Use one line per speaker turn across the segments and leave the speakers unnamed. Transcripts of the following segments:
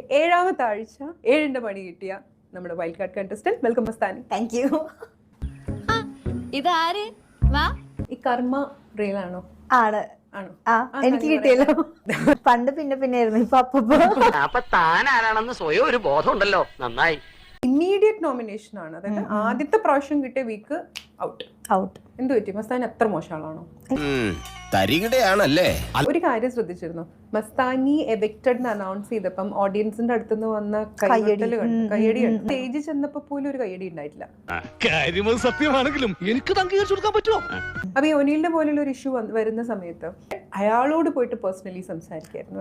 ഏഴാമത്തെ ആഴ്ച 7ന്റെ പണി കിട്ടിയ നമ്മുടെ wild card contestant welcome Mastani.
Thank you.
ഇതാര് വാ
ഈ കർമ്മ റിയൽ ആണോ?
ആണ്.
ആണോ?
എനിക്ക് കിട്ടിയല്ലോ. പണ്ട് പിന്നെ ആയിരുന്നു, ഇപ്പൊ
അപ്പൊ താൻ ആരാണെന്ന് സ്വയം ഒരു ബോധം ഉണ്ടല്ലോ. നന്നായി.
ഇമ്മീഡിയറ്റ് നോമിനേഷൻ ആണ്. അതായത് ആദ്യത്തെ പ്രാവശ്യം കിട്ടിയ വീക്ക് ഔട്ട്. എന്ത് പറ്റി? മസ്താനി അത്ര മോശം ആളാണോ?
തരികിടയാണല്ലേ.
ഒരു കാര്യം ശ്രദ്ധിച്ചിരുന്നു, മസ്താനി എവിക്റ്റഡ് എന്ന് അനൗൺസ് ചെയ്തപ്പം ഓഡിയൻസിന്റെ അടുത്തുനിന്ന് വന്ന കയ്യടി കണ്ടു. സ്റ്റേജിൽ ചെന്നപ്പോ പോലും ഒരു കയ്യടി ഉണ്ടായിട്ടില്ല.
സത്യമാണെങ്കിലും എനിക്ക് അംഗീകരിച്ചു കൊടുക്കാൻ പറ്റുമോ?
അപ്പൊ ഈ ഒനീലിന്റെ പോലുള്ള ഒരു ഇഷ്യൂ വരുന്ന സമയത്ത് അയാളോട് പോയിട്ട് പേഴ്സണലി സംസാരിക്കായിരുന്നു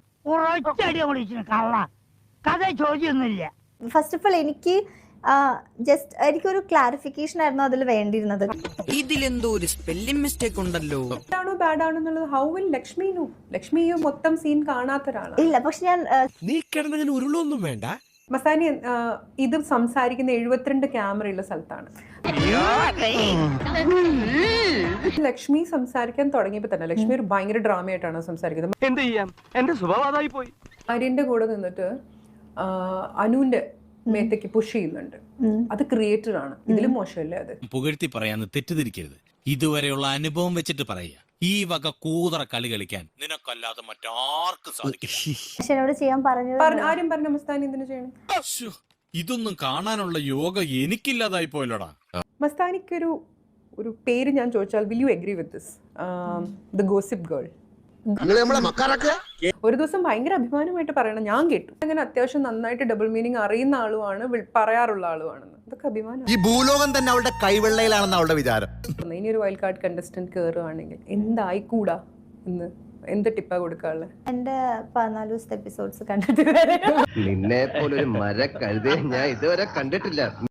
അല്ലേ?
ഫസ്റ്റ് ഓഫ് ഓൾ എനിക്ക് ജസ്റ്റ് എനിക്കൊരു ക്ലാരിഫിക്കേഷൻ ആയിരുന്നു അതിൽ വേണ്ടിയിരുന്നത്.
ഇതിലെന്തോ ഒരു സ്പെല്ലിംഗ് മിസ്റ്റേക്ക് ഉണ്ടല്ലോ.
ആണോ ബാഡ് ആണോ എന്നുള്ളത് ഹൗ വിൽ ലക്ഷ്മിയും മൊത്തം സീൻ കാണാത്ത ഒരാളാണ്.
ഇല്ല, പക്ഷെ ഞാൻ
നീ കിടന്നങ്ങനെ ഉരുളൊന്നും വേണ്ട.
മസ്താനി ഇത് സംസാരിക്കുന്ന 72 ക്യാമറയുള്ള സ്ഥലത്താണ്. ലക്ഷ്മി സംസാരിക്കാൻ തുടങ്ങിയപ്പോ തന്നെ ലക്ഷ്മി ഒരു ഭയങ്കര ഡ്രാമയായിട്ടാണ് സംസാരിക്കുന്നത്.
എന്ത് ചെയ്യാം, എന്റെ സ്വഭാവമായി പോയി.
ആര്യന്റെ കൂടെ നിന്നിട്ട് അനുവിന്റെ മേത്തേക്ക് പുഷ് ചെയ്യുന്നുണ്ട്. അത് ക്രിയേറ്റർ ആണ്. ഇതിലും മോശമല്ലേ അത്?
പുകഴ്ത്തി പറയാന്ന് തെറ്റിദ്ധരിക്കരുത്. ഇതുവരെയുള്ള അനുഭവം വെച്ചിട്ട് പറയുക. ഈ വക കൂതറ കളി കളിക്കാൻ നിനക്കല്ലാതെ മറ്റാർക്കും സാധിക്കില്ല.
എന്നോട് ചെയ്യാൻ പറഞ്ഞത്
ആരും പറഞ്ഞ മസ്താനി എന്തിനു ചെയ്യണം?
ഇതൊന്നും കാണാനുള്ള യോഗ എനിക്കില്ലാതായി പോയല്ലോടാ.
മസ്താനിക്കൊരു പേര് ഞാൻ ചോദിച്ചാൽ will you agree with this? The gossip girl. ഒരു ദിവസം ഭയങ്കര അഭിമാനമായിട്ട് പറയണം, ഞാൻ കേട്ടു. അങ്ങനെ അത്യാവശ്യം നന്നായിട്ട് ഡബിൾ മീനിങ് അറിയുന്ന ആളുമാണ്, പറയാറുള്ള ആളുമാണെന്ന്. ഇതൊക്കെ അഭിമാനം.
ഈ ഭൂലോകം തന്നെ അവളുടെ കൈവെള്ളയിലാണെന്ന് അവളുടെ വിചാരം.
ഇനി ഒരു വൈൽഡ് കാർഡ് കണ്ടസ്റ്റന്റ് കയറുകയാണെങ്കിൽ എന്തായിക്കൂടാ എന്ന് എന്ത് ടിപ്പാ കൊടുക്കാനുള്ളത്?
എന്റെ 14 ദിവസത്തെ എപ്പിസോഡ്സ് കണ്ടിട്ട്
നിന്നെ പോലൊരു മര കഴുതേ ഞാൻ ഇതുവരെ കണ്ടിട്ടില്ല.